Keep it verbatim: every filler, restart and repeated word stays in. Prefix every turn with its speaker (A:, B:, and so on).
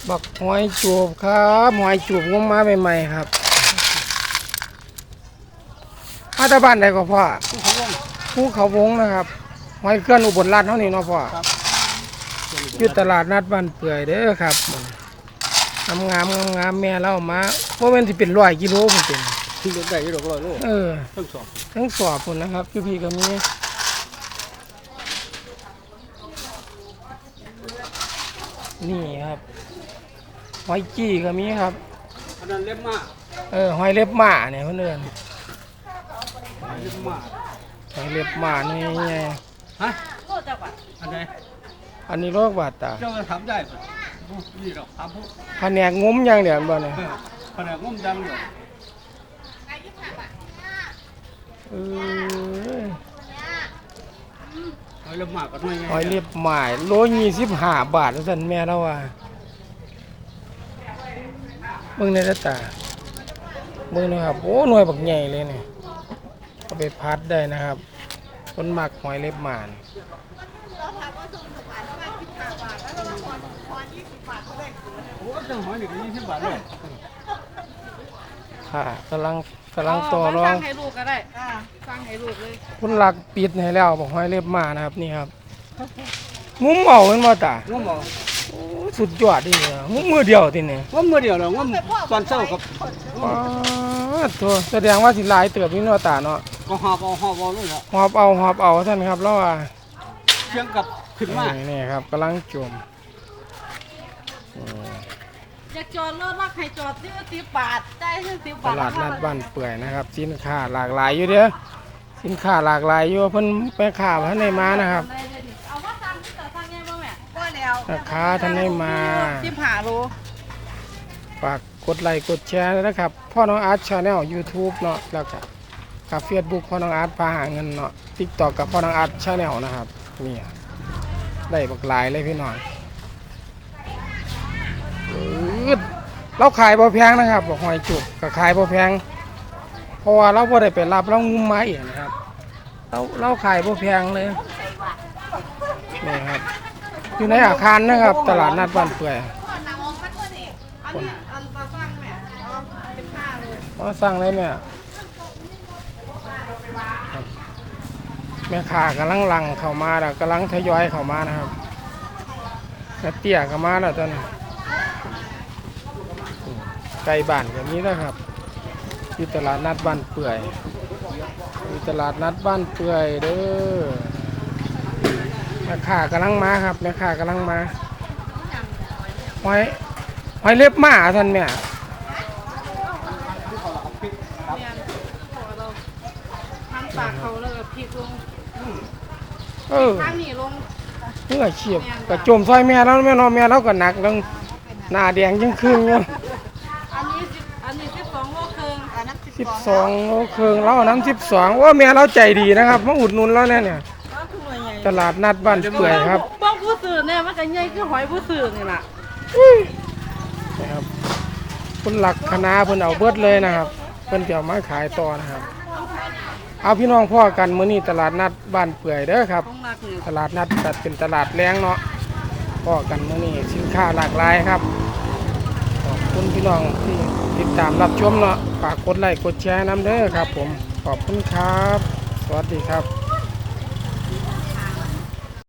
A: บักหอยจูบครับหอยจูบงมมาใหม่ๆครับมาตาบ้านใดก็พ่อภูเขาวงนะครับหอยเคลื่อนอุบลราชเท่านี้เนาะพ่ออยู่ตลาดนัดบ้านเปื่อยเด้อครับงามงามงามงามแม่เล่ามาเพราะมันที่เป็นร้อยกิโลมันเป็น
B: ที่รถได้ยี่ดอกร้อยโล
A: เออ
B: ทั้งสอบ
A: ทั้งสอบคนนะครับพี่พี่ก็มีนี่ครับหอยจี้ก็มีครับ
B: อันนั้นเล็บมา
A: เออหอยเล็บหมาเนี่ยเพื่อนเอิ้น
B: เล็บมา
A: หอยเล็บหมานี่ไง
B: ฮะโลจักบาทอันไหน
A: อันนี้โรคบาดตา
B: เจ้าจะทำได้ปะนี่หรอกทำพวก
A: แผนกงุ้มยังเดี๋ยวบ่เนี่ย
B: แผนกงุ้มยังเดี๋ยว
A: เออ
B: หอยเล็บหมาก็น้อย
A: หอยเล็บหมาโลยี่สิบห้าบาทสั่นแม่เราว่าเบิ่งในตาเบิ่งนะครับโอ้หน่วยบักใหญ่เลยเนี่ยเอาไปพัดได้นะครับคนหมักหอยเล็บหมา
B: โอ้จังหอยนี่ก็ยี่สิบบาทเลย
A: ค่ะกำลังกำลังต่อรอง
C: สั่งให้ลูกก็ได้อ่าสั่งให้ลูกเลย
A: คุณหลักปิดให้แล้วบอกหอยเล็บหมานะครับนี่ครับงุ้มเอาเป็นบ่ตางุ้มเอาสุดยอดดิเนี่ยงุ้มมือเดียวทีนี่
B: งุ้มมือเดียวเหรองุ้มตอนเช้ากับ
A: อ๋อตัวแสดงว่าสิหลายเติบนี่เนาะตาเนาะ
B: ก็หอบเอาหอบเอาเลยเหรอ
A: หอบเอาหอบเอาท่านครับแล้วว่า
B: เชียงกับขึ้นมา
A: นี่ครับกำลังจม
C: อยากจอดรถรักให้จอดที่สิบบาทได้ที่สิบบาท
A: ตลาดนัดบ้านเปื่อยนะครับสินค้าหลากหลายอยู่เด้อสินค้าหลากหลายอยู่เพิ่นไปข่าวท่านได้มานะครับ
C: เอาว่าสั่งที่ต่อสั่งไงบ้างแม่ก็แล้ว
A: ราคาท่านได้มา
C: สิบห้าโล
A: ฝากกดไลค์กดแชร์นะครับพ่อน้องอาร์ตชาแนลยูทูบเนาะแล้วก็กับเฟซบุ๊กพ่อน้องอาร์ตพาหาเงินเนาะติ๊กต็อกกับพ่อน้องอาร์ตชาแนลนะครับนี่ได้บักหลายเลยพี่น้องเราขายบ่แพงนะครับบอกหอยจุกก็ขายบ่แพงเพราะว่าเราบ่ได้ไปรับเรางุ้มไม้นะครับเราเราขายบ่แพงเลยนี่ครับอยู่ในอาคารนะครับตลาดนัดบ้านเปื่อยอ๋อสั่งเลยแม่แม่ค้ากำลังลังเข้ามาแล้วกำลังทยอยเข้ามานะครับแม่เตี้ยเข้ามาแล้วตอนนี้ไก่บ้านแบบนี้นะครับที่ตลาดนัดบ้านเปื่อยที่ตลาดนัดบ้านเปื่อยเด้อแม่ค้ากำลังมาครับแม่ค้ากำลังมาหอยหอยเล็บหมาท่านแม่
C: ทำปากเขาแล้วก็พริกลง
A: เออ
C: ข้างนี้ลง
A: เพื่อเฉียบกระจมซอยแม่แล้วแม่นอนแม่แล้วก็หนักลงหน้าแดงยิ่งขึ้นเนาะ
C: อันนี้อันนี้สิบสองโลครึ่งอันนั้น
A: สิบสองโลครึ่งแล้วน้ำสิบสองว่าแม่เราใจดีนะครับมาอุดหนุนแล้วเนี่ยเนี่ยตลาดนัดบ้านเปื่อยครับ
C: บ้องผู้สื่อเนี่ยมันก็ใหญ่คือหอยผู้สื่อนี่แหละ
A: นะครับคุณหลักคณะเพิ่นเอาเบิดเลยนะครับเพิ่นจะเอามาขายต่อนะครับเอาพี่น้องพ่อกันมื้อนี้ตลาดนัดบ้านเปื่อยเด้อครับตลาดนัดจัดเป็นตลาดแรงเนาะพ่อกันมื้อนี้สินค้าหลากหลายครับขอบคุณพี่น้องที่ติดตามรับชมเนาะฝากกดไลค์กดแชร์น้ำเด้อครับผมขอบคุณครับสวัสดีครับ